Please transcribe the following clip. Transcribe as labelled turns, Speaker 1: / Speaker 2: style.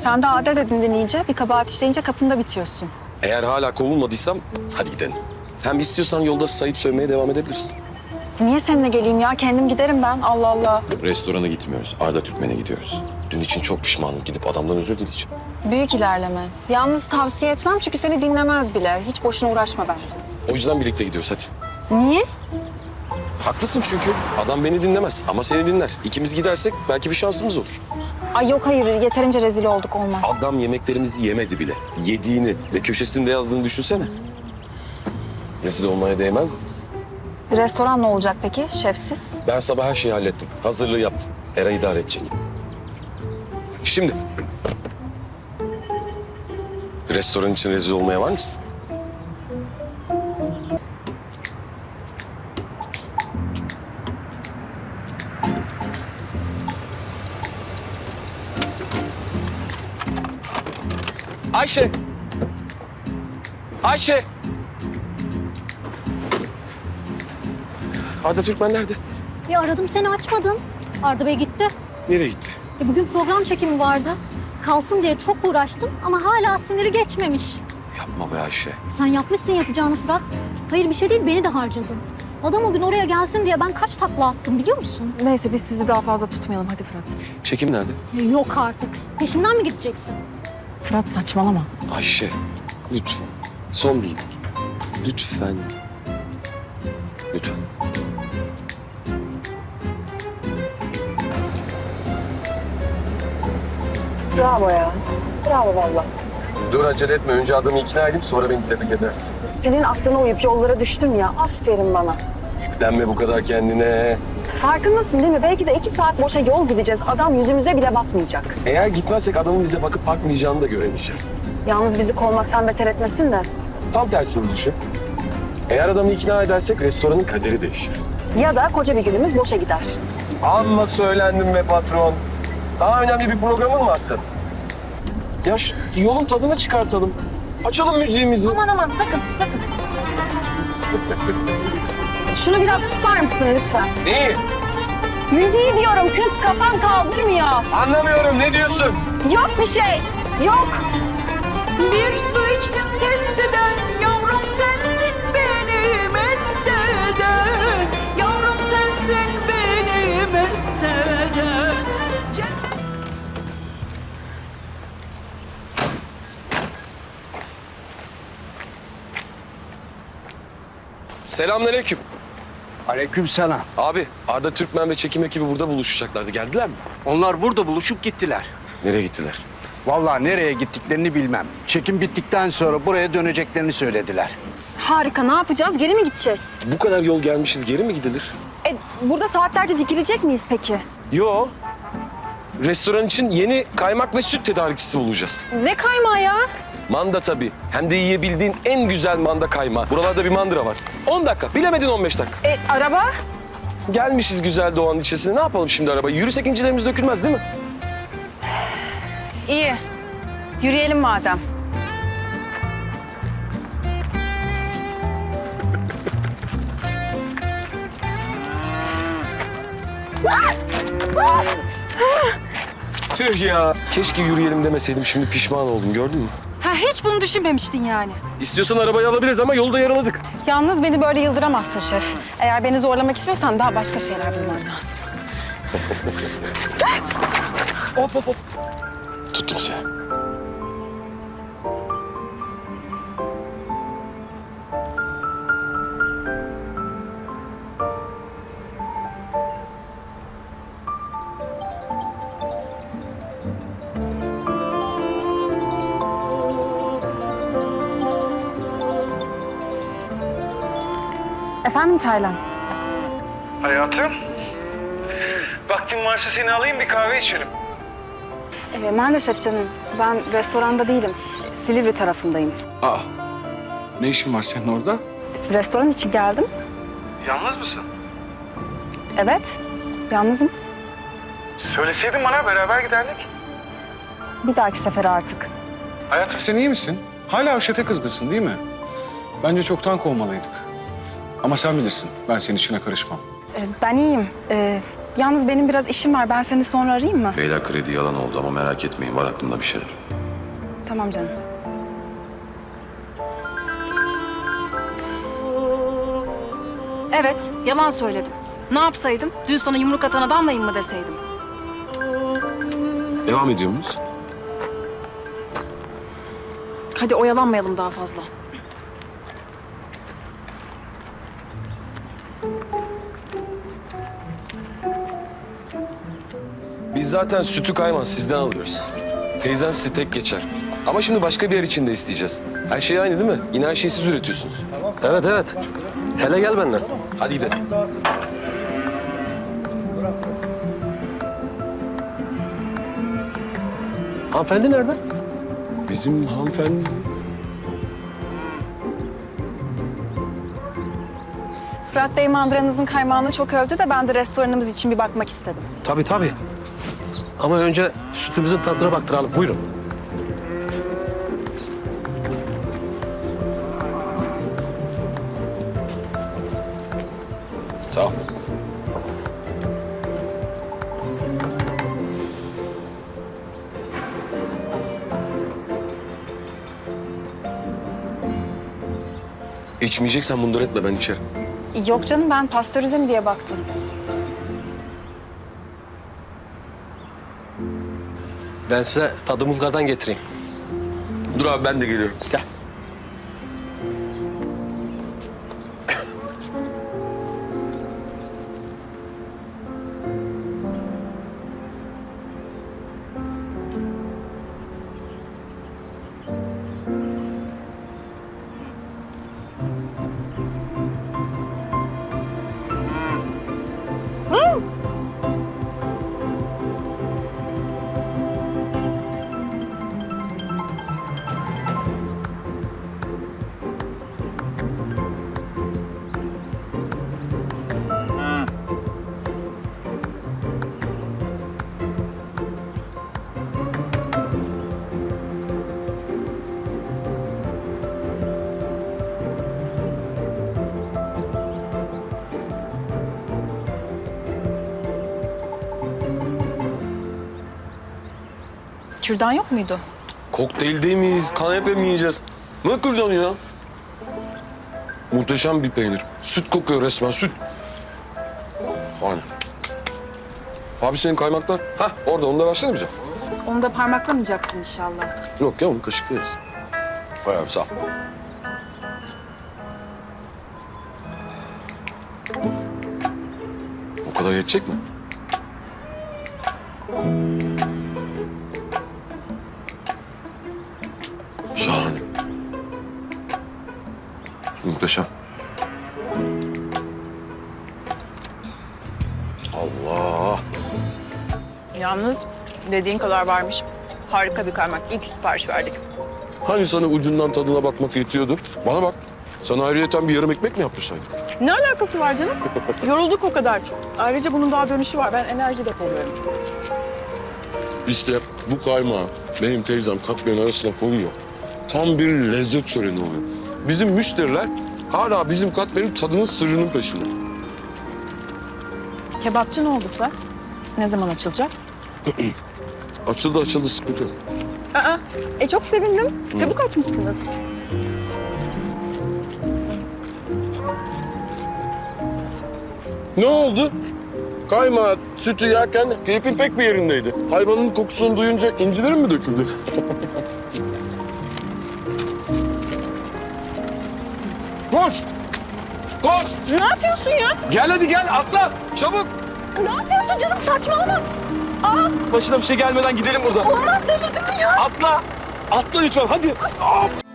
Speaker 1: Sen de adet edindin iyice. Bir kabahat işleyince kapında bitiyorsun.
Speaker 2: Eğer hala kovulmadıysam hadi gidelim. Hem istiyorsan yolda sayıp sövmeye devam edebilirsin.
Speaker 1: Niye seninle geleyim ya? Kendim giderim ben. Allah Allah.
Speaker 2: Restorana gitmiyoruz. Arda Türkmen'e gidiyoruz. Dün için çok pişmanım. Gidip adamdan özür dileyeceğim.
Speaker 1: Büyük ilerleme. Yalnız tavsiye etmem çünkü seni dinlemez bile. Hiç boşuna uğraşma bence.
Speaker 2: O yüzden birlikte gidiyoruz hadi.
Speaker 1: Niye?
Speaker 2: Haklısın çünkü. Adam beni dinlemez ama seni dinler. İkimiz gidersek belki bir şansımız olur.
Speaker 1: Ay yok hayır. Yeterince rezil olduk olmaz.
Speaker 2: Adam yemeklerimizi yemedi bile. Yediğini ve köşesinde yazdığını düşünsene. Rezil olmaya değmez mi?
Speaker 1: Restoran ne olacak peki? Şefsiz.
Speaker 2: Ben sabah her şeyi hallettim. Hazırlığı yaptım. Era idare edecek. Şimdi. Restoran için rezil olmaya var mısın? Ayşe! Ayşe! Arda Türkmen nerede?
Speaker 3: Ya aradım seni açmadın. Arda Bey gitti.
Speaker 2: Nereye gitti?
Speaker 3: Bugün program çekimi vardı. Kalsın diye çok uğraştım ama hala siniri geçmemiş.
Speaker 2: Yapma be Ayşe.
Speaker 3: Sen yapmışsın yapacağını Fırat. Hayır bir şey değil beni de harcadın. Adam o gün oraya gelsin diye ben kaç takla attım biliyor musun?
Speaker 1: Neyse biz sizi daha fazla tutmayalım. Hadi Fırat.
Speaker 2: Çekim nerede?
Speaker 3: Yok artık. Peşinden mi gideceksin?
Speaker 1: Fırat saçmalama.
Speaker 2: Ayşe, lütfen. Son bir iyilik. Lütfen. Lütfen.
Speaker 1: Bravo ya. Bravo valla.
Speaker 2: Dur acele etme. Önce adamı ikna edeyim sonra beni tebrik edersin.
Speaker 1: Senin aklına uyup yollara düştüm ya. Aferin bana.
Speaker 2: Yüklenme bu kadar kendine.
Speaker 1: Farkındasın değil mi? Belki de 2 saat boşa yol gideceğiz. Adam yüzümüze bile bakmayacak.
Speaker 2: Eğer gitmezsek adamın bize bakıp bakmayacağını da göremeyeceğiz.
Speaker 1: Yalnız bizi kovmaktan beter etmesin de.
Speaker 2: Tam tersini düşün. Eğer adamı ikna edersek restoranın kaderi değişir.
Speaker 1: Ya da koca bir günümüz boşa gider.
Speaker 2: Amma söylendim be patron. Daha önemli bir programın mı aksadı? Ya şu yolun tadını çıkartalım. Açalım müziğimizi.
Speaker 1: Aman sakın sakın. Şunu biraz kısar mısın lütfen?
Speaker 2: Neyi?
Speaker 1: Müziği diyorum kız kafan kaldırmıyor.
Speaker 2: Anlamıyorum. Ne diyorsun?
Speaker 1: Yok bir şey. Yok.
Speaker 4: Bir su içtim testeden, yavrum sensin beni mest eden. Yavrum sensin beni mest eden.
Speaker 2: Selamünaleyküm.
Speaker 5: Aleykümselam.
Speaker 2: Abi Arda Türkmen ve çekim ekibi burada buluşacaklardı. Geldiler mi?
Speaker 5: Onlar burada buluşup gittiler.
Speaker 2: Nereye gittiler?
Speaker 5: Vallahi nereye gittiklerini bilmem. Çekim bittikten sonra buraya döneceklerini söylediler.
Speaker 1: Harika ne yapacağız? Geri mi gideceğiz?
Speaker 2: Bu kadar yol gelmişiz. Geri mi gidilir?
Speaker 1: Burada saatlerce dikilecek miyiz peki?
Speaker 2: Yo. Restoran için yeni kaymak ve süt tedarikçisi bulacağız.
Speaker 1: Ne kaymağı ya?
Speaker 2: Manda tabii. Hem de yiyebildiğin en güzel manda kaymağı. Buralarda bir mandıra var. 10 dakika. Bilemedin 15 dakika.
Speaker 1: Araba?
Speaker 2: Gelmişiz güzel doğanın içerisine. Ne yapalım şimdi araba? Yürüsek incilerimiz dökülmez değil mi?
Speaker 1: İyi. Yürüyelim madem.
Speaker 2: Tüh ya. Keşke yürüyelim demeseydim. Şimdi pişman oldum. Gördün mü?
Speaker 1: Ha, hiç bunu düşünmemiştin yani.
Speaker 2: İstiyorsan arabayı alabiliriz ama yolda yaraladık.
Speaker 1: Yalnız beni böyle yıldıramazsın şef. Eğer beni zorlamak istiyorsan daha başka şeyler bulman lazım.
Speaker 2: Hop hop hop. Tuttum seni.
Speaker 1: Efendim Taylan?
Speaker 6: Hayatım, vaktin varsa seni alayım bir kahve içelim.
Speaker 1: Maalesef canım. Ben restoranda değilim. Silivri tarafındayım.
Speaker 6: Aa, ne işin var senin orada?
Speaker 1: Restoran için geldim.
Speaker 6: Yalnız mısın?
Speaker 1: Evet, yalnızım.
Speaker 6: Söyleseydin bana beraber giderdik.
Speaker 1: Bir dahaki sefere artık.
Speaker 6: Hayatım sen iyi misin? Hala o şefe kızgınsın değil mi? Bence çoktan kovmalıydık. Ama sen bilirsin, ben senin işine karışmam.
Speaker 1: Ben iyiyim. Yalnız benim biraz işim var. Ben seni sonra arayayım mı?
Speaker 7: Leyla kredi yalan oldu ama merak etmeyin, var aklımda bir şeyler.
Speaker 1: Tamam canım. Evet, yalan söyledim. Ne yapsaydım? Dün sana yumruk atan adamlayım mı deseydim?
Speaker 2: Devam ediyor muyuz?
Speaker 1: Hadi oyalanmayalım daha fazla.
Speaker 2: Biz zaten sütü Kayman sizden alıyoruz. Teyzem sizi tek geçer. Ama şimdi başka bir yer için de isteyeceğiz. Her şey aynı değil mi? Yine her şeyi siz üretiyorsunuz.
Speaker 8: Evet evet. Hele gel benden.
Speaker 2: Hadi gidelim.
Speaker 8: Hanımefendi nerede?
Speaker 2: Bizim hanımefendi...
Speaker 1: Fırat Bey mandıranızın kaymağını çok övdü de ben de restoranımız için bir bakmak istedim.
Speaker 8: Tabii tabii. Ama önce sütümüzün tadına baktıralım. Buyurun.
Speaker 2: Sağ ol. İçmeyeceksen bundur etme, ben içerim.
Speaker 1: Yok canım, ben pastörize mi diye baktım.
Speaker 8: Ben size tadımızlardan getireyim.
Speaker 2: Dur abi, ben de geliyorum.
Speaker 8: Gel.
Speaker 1: Kürdan yok muydu?
Speaker 2: Kokteyl değil miyiz? Kanepe mi yiyeceğiz? Ne kürdanı ya? Muhteşem bir peynir. Süt kokuyor resmen, süt. Aynen. Abi senin kaymaklar. Hah, orada, onu da versene bize.
Speaker 1: Onu da parmaklamayacaksın inşallah.
Speaker 2: Yok ya, onu kaşıklarız. Hay abi, sağ ol. O kadar yetecek mi? Şahane. Muhteşem. Allah.
Speaker 9: Yalnız dediğin kadar varmış. Harika bir kaymak. İlk sipariş verdik.
Speaker 2: Hani sana ucundan tadına bakmak yetiyordu? Bana bak. Sana ayrıyeten bir yarım ekmek mi yaptırsaydım?
Speaker 9: Ne alakası var canım? Yorulduk o kadar. Ayrıca bunun daha dönüşü var. Ben enerji depoluyorum.
Speaker 2: İşte bu kaymağı benim teyzem katmerin arasına koyuyor. Tam bir lezzet şöleni oluyor. Bizim müşteriler hala bizim katmerin tadının sırrının peşinde.
Speaker 1: Kebapçı ne oldu Fırat? Ne zaman açılacak?
Speaker 2: Açıldı, sıkıntı yok.
Speaker 1: Çok sevindim. Çabuk açmışsınız.
Speaker 2: Ne oldu? Kaymağı, sütü yerken keyfin pek bir yerindeydi. Hayvanın kokusunu duyunca incilerin mi döküldü? Koş! Koş!
Speaker 1: Ne yapıyorsun ya?
Speaker 2: Gel hadi gel, atla! Çabuk!
Speaker 1: Ne yapıyorsun canım? Saçmalama.
Speaker 2: Başına bir şey gelmeden gidelim buradan.
Speaker 1: Olmaz, delirdin mi ya?
Speaker 2: Atla! Atla lütfen, hadi!